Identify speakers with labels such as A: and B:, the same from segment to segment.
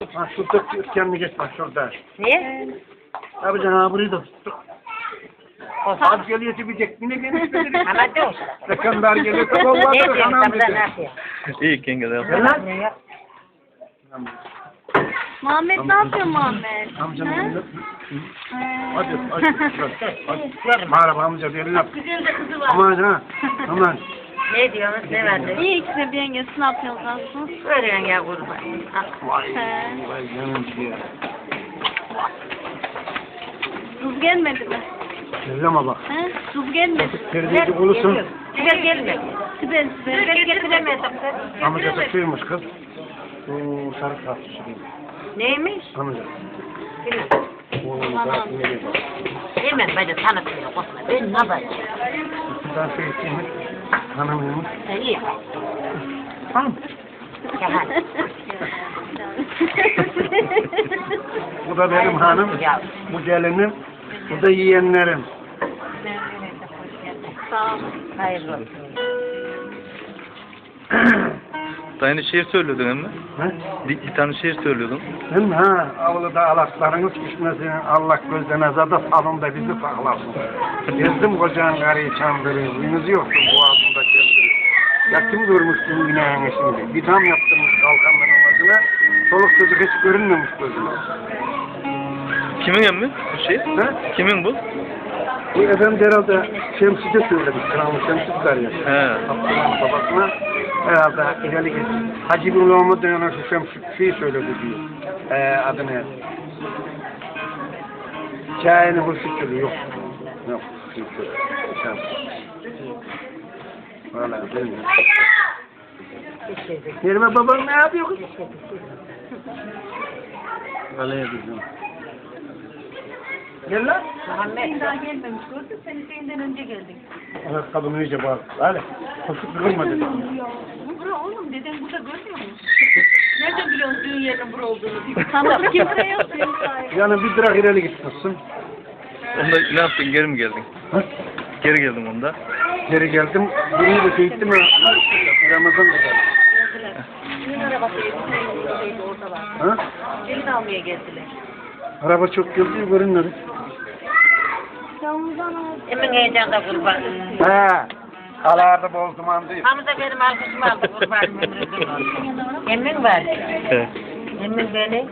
A: Ha şurada kendini geç bak şurada.
B: Niye?
A: Abi canım burayı da tuttuk. Az geliyor çıkacak. Yine gelişmedi.
B: Ama değil.
A: Sekonder geliyor.
B: Ne
A: Vallahi
B: diyorsun?
A: anam
B: Tam da ne
A: dedi.
B: yapıyor?
C: İyi yenge de
A: Gel lan.
D: Muhammed ne yapıyor Muhammed?
A: Amcanın
D: Ha?
A: elini öp. Hadi hadi. Merhaba amca bir elini öp.
B: Kızın da kızı var.
A: Aman ha. Aman.
B: Ne diyorsunuz? Ne verdi?
D: İyi ikisi bir yengesi ne yapıyorsunuz?
B: Veriyorsun ya kurban. Al.
A: Vay.
D: He.
A: Vay canım ya.
D: Tuz gelmedi mi?
A: Elleme bak.
D: He? Tuz gelmedi mi?
A: Terbiyeci olursun.
B: Güzel gelme.
D: Sibel Sibel.
B: Güzel getiremedim.
A: Amca takıyormuş kız. Bu sarı tartışı değil.
B: Neymiş?
A: Amca.
B: Bilmem.
A: Oğlum da nereye bak.
B: Hemen beni tanıtmıyor. Korkma. Ben ne yapayım?
A: Ben şey isteyeyim. Hanımıymış.
B: Sen iyi.
A: Hanım.
B: Gel hadi.
A: Bu da benim hanım.
B: Ya.
A: Bu gelinim. Bu da yiyenlerim.
D: Sağ olun.
B: Hayırlı olsun.
C: Aynı şiir söylüyordun emmi.
A: He?
C: Bir tane şiir söylüyordun.
A: Değil mi ha? Avluda alaslarınız düşmesin. Allah gözden azada salonda bizi saklasın. Gezdim kocanın karıyı çandırı. Uyunuz yoktu boğazında kendiri. Ya kim görmüştün günahını şimdi? Bir dam yaptırmış kalkanların amacına. Çoluk çocuk hiç görünmemiş gözüne.
C: Kimin emmi bu şiir?
A: He?
C: Kimin bu?
A: Bu efendim herhalde Şemsi'de söyledik. Kral Şemsi ya.
C: He.
A: Abdullah'ın babasına herhalde ileri git. Hacı bin Muhammed denen şu Şemsi söyledi diyor. Adını. Hikayenin hırsı yok. Yok. Şemsi. Valla benim. Merhaba babam ne yapıyor kız? Galaya bizim. Gel lan.
B: Muhammed.
D: Daha gelmemiş gördün seni seyinden önce geldik.
A: Ayakkabını iyice bak. Hadi. Koşup kırma dedi.
D: Bura oğlum deden burada görmüyor musun? Nereden biliyorsun düğün yerinin bura olduğunu? Tanıdık kimse yok senin sahibi.
A: Yani bir direk ileri gitmişsin.
C: Onda ne yaptın? Geri mi geldin?
A: Ha?
C: Geri geldim onda.
A: Geri geldim. Burayı da çektim mi? Ramazan da geldi.
B: Düğün arabası şeydi orada var.
A: Ha?
B: Gelin almaya geldiler.
A: Araba çok geldi, görünmedi.
D: Ramazan abi.
B: Emin heyecanda kurban.
A: He. Kalarda bol duman değil.
B: Hamza benim alkışımı aldı kurbanım ömrümden olsun. Emin var.
C: He.
B: Emin beni.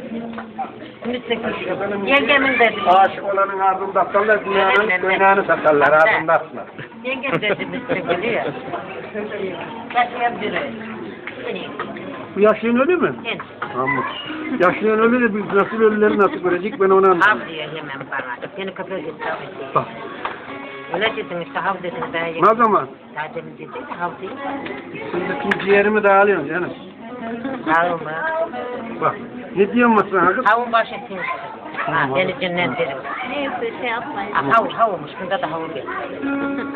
B: Yengemin dedi.
A: Aşık olanın ardında atarlar, dünyanın kaynağını satarlar, ardında atlar.
B: Yengem dedi biliyor. Kaçıyan biri.
A: Bu yaşlının ölü mü?
B: Sen.
A: Ama. Yaşlının ölü de biz nasıl ölüleri nasıl görecek ben onu
B: Hav
A: anlamadım.
B: diyor hemen bana. Seni kapıya gitti.
A: Bak.
B: Öyle dedim işte hav dedim.
A: Ne zaman?
B: Daha demin dedi de hav değil.
A: Şimdi tüm ciğerimi dağılıyorsun canım.
B: Hav mı?
A: Bak. Ne diyorsun sen kız?
B: Havun başı sinsi. Ha, beni cennet derim.
D: Neyse şey yapmayın.
B: Havumuş. Bunda da havu geldi.